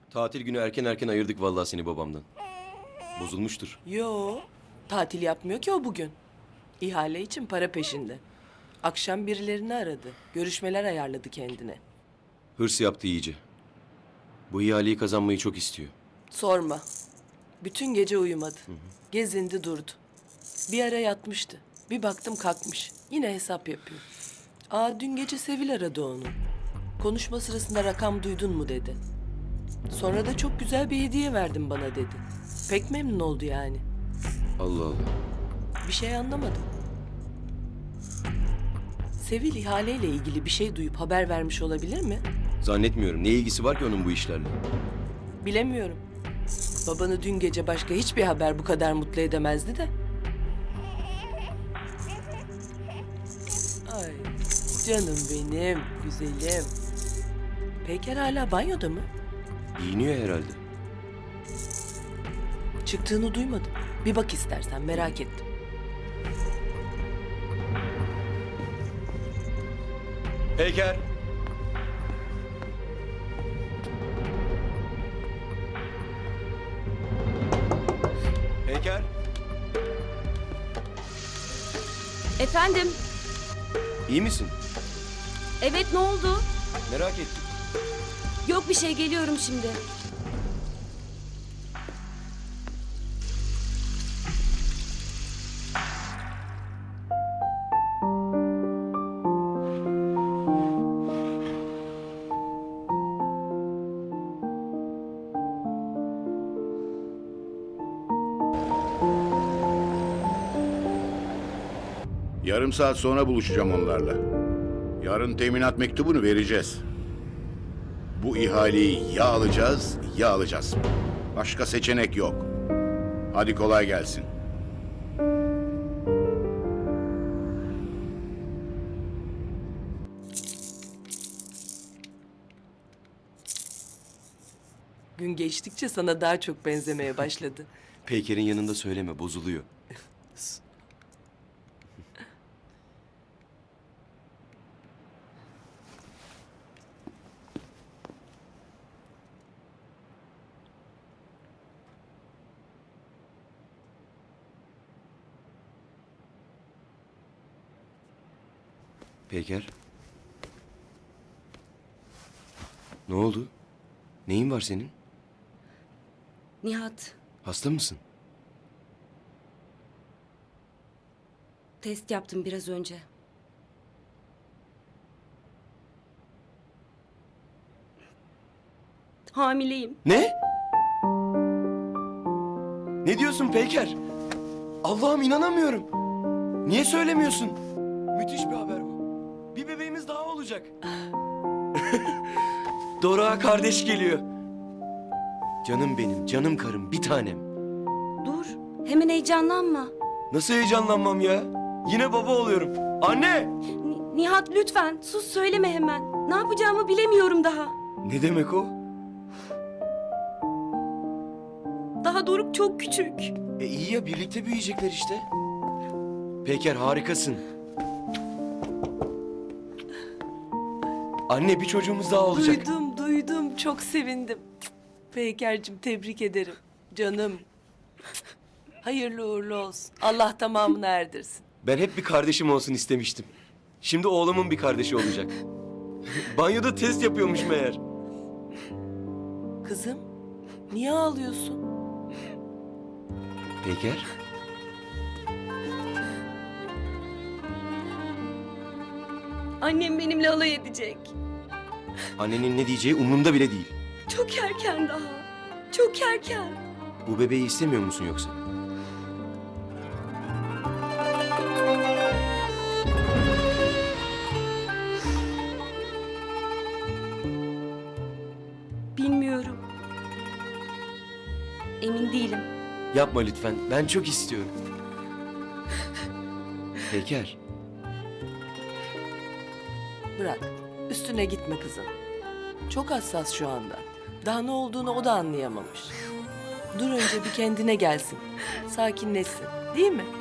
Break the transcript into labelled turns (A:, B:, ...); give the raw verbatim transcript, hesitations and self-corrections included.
A: Tatil günü erken erken ayırdık vallahi seni babamdan. Bozulmuştur.
B: Yo, tatil yapmıyor ki o bugün. İhale için para peşinde. Akşam birilerini aradı. Görüşmeler ayarladı kendine.
A: Hırs yaptı iyice. Bu ihaleyi kazanmayı çok istiyor.
B: Sorma. Bütün gece uyumadı. Gezindi durdu. Bir ara yatmıştı. Bir baktım kalkmış. Yine hesap yapıyor. Aa dün gece Sevil aradı onu. Konuşma sırasında rakam duydun mu dedi. Sonra da çok güzel bir hediye verdin bana dedi. Pek memnun oldu yani.
A: Allah Allah.
B: Bir şey anlamadım. Sevil ihaleyle ilgili bir şey duyup haber vermiş olabilir mi?
A: Zannetmiyorum. Ne ilgisi var ki onun bu işlerle?
B: Bilemiyorum. Babanı dün gece başka hiçbir haber bu kadar mutlu edemezdi de. Ay canım benim, güzelim. Peyker hala banyoda mı?
A: Giyiniyor herhalde.
B: Çıktığını duymadım. Bir bak istersen, merak ettim.
A: Peyker. Peyker.
C: Efendim?
A: İyi misin?
C: Evet, ne oldu?
A: Merak ettim.
C: Yok bir şey, geliyorum şimdi.
D: Yarım saat sonra buluşacağım onlarla. Yarın teminat mektubunu vereceğiz. Bu ihaleyi ya alacağız ya alacağız. Başka seçenek yok. Hadi kolay gelsin.
B: Gün geçtikçe sana daha çok benzemeye başladı.
A: Peyker'in yanında söyleme, bozuluyor. Peyker. Ne oldu? Neyin var senin?
C: Nihat,
A: Hasta mısın?
C: test yaptım biraz önce. Hamileyim.
A: Ne? Ne diyorsun Peyker? Allah'ım inanamıyorum. Niye söylemiyorsun? Müthiş bir haber bu. Bir bebeğimiz daha olacak. Dora kardeş geliyor. Canım benim, canım karım, bir tanem.
C: Dur, hemen heyecanlanma.
A: Nasıl heyecanlanmam ya? Yine baba oluyorum. Anne!
C: Ni- Nihat lütfen, sus söyleme hemen. Ne yapacağımı bilemiyorum daha.
A: Ne demek o?
C: Daha Doruk çok küçük.
A: E iyi ya, birlikte büyüyecekler işte. Peyker harikasın. Anne bir çocuğumuz daha olacak.
B: Duydum, duydum. Çok sevindim. Peyker'cim tebrik ederim. Canım. Hayırlı uğurlu olsun. Allah tamamını erdirsin.
A: Ben hep bir kardeşim olsun istemiştim. Şimdi oğlumun bir kardeşi olacak. Banyoda test yapıyormuş meğer.
B: Kızım, niye ağlıyorsun?
A: Peyker?
C: Annem benimle alay edecek.
A: Annenin ne diyeceği umurumda bile değil.
C: Çok erken daha. Çok erken.
A: Bu bebeği istemiyor musun yoksa?
C: Bilmiyorum. Emin değilim.
A: Yapma lütfen. Ben çok istiyorum. Peyker.
B: Bırak, üstüne gitme kızım. Çok hassas şu anda. Daha ne olduğunu o da anlayamamış. Dur önce bir kendine gelsin. Sakinleşsin, değil mi?